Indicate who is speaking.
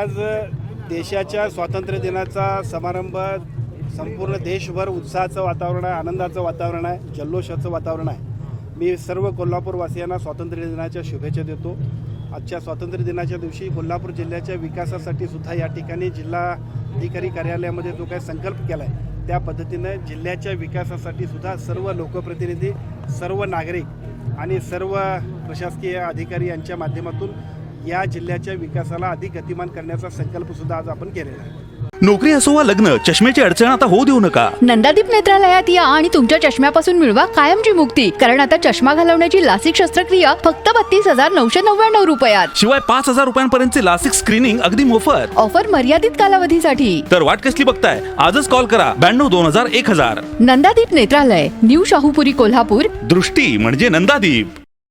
Speaker 1: आज देशाच्या स्वातंत्र्य दिनाचा समारंभ संपूर्ण देशभर उत्साहाचं वातावरण आहे, आनंदाचं वातावरण आहे, जल्लोषाचं वातावरण आहे. मी सर्व कोल्हापूरवासियांना स्वातंत्र्य दिनाच्या शुभेच्छा देतो. आजच्या स्वातंत्र्य दिनाच्या दिवशी कोल्हापूर जिल्ह्याच्या विकासासाठी सुद्धा या ठिकाणी जिल्हाधिकारी कार्यालयामध्ये जो काही संकल्प केला आहे त्या पद्धतीनं जिल्ह्याच्या विकासासाठी सुद्धा सर्व लोकप्रतिनिधी, सर्व नागरिक आणि सर्व प्रशासकीय अधिकारी यांच्या माध्यमातून या जिल्ह्याच्या विकासाला अधिक गतिमान करण्याचा संकल्प सुद्धा आज आपण केलेला आहे.
Speaker 2: नोकरी असो वा लग्न, चष्म्याची अडचण आता होऊ देऊ नका.
Speaker 3: नंदादीप नेत्रालयात या आणि तुमच्या चष्म्यापासून मिळवा कायमची मुक्ती. कारण आता चष्मा घालवण्याची लासिक शस्त्रक्रिया फक्त 32,999 रुपयात.
Speaker 2: शिवाय 5,000 रुपयांपर्यंतचे लासिक स्क्रीनिंग अगदी मोफत.
Speaker 3: ऑफर मर्यादित कालावधीसाठी.
Speaker 2: तर वाट कसली बघताय, आजच कॉल करा 92 2000 1000.
Speaker 3: नंदादीप नेत्रालय, न्यू शाहूपुरी, कोल्हापूर.
Speaker 2: दृष्टी म्हणजे नंदादीप.